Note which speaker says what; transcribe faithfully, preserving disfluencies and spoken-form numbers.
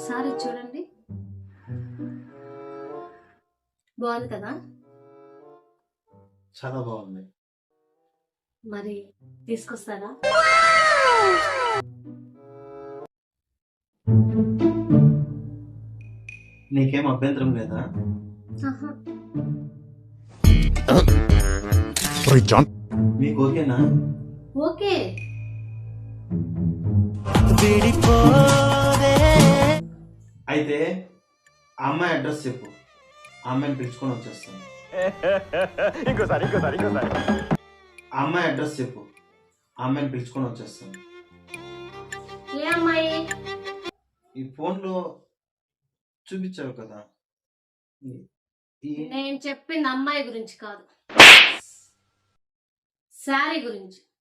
Speaker 1: ఒకసారి చూడండి, బాగుంది కదా?
Speaker 2: చాలా బాగుంది.
Speaker 1: మరి తీసుకొస్తారా?
Speaker 2: నీకేం అభ్యంతరం లేదా?
Speaker 1: ఆహా.
Speaker 2: మీకు ఓకేనా?
Speaker 1: ఓకే.
Speaker 2: అయితే ఆ అమ్మాయి అడ్రస్ చెప్పు, ఆ అమ్మాయిని పిలుచుకొని వచ్చేస్తాను.
Speaker 3: ఇంకోసారి ఇంకోసారి ఇంకోసారి
Speaker 2: ఆ అమ్మాయి అడ్రస్ చెప్పు, ఆ అమ్మాయిని పిలుచుకొని వచ్చేస్తాను.
Speaker 1: ఏ అమ్మాయి?
Speaker 2: ఈ ఫోన్లో చూపించావు కదా.
Speaker 1: నేను చెప్పింది అమ్మాయి గురించి కాదు, శారీ గురించి.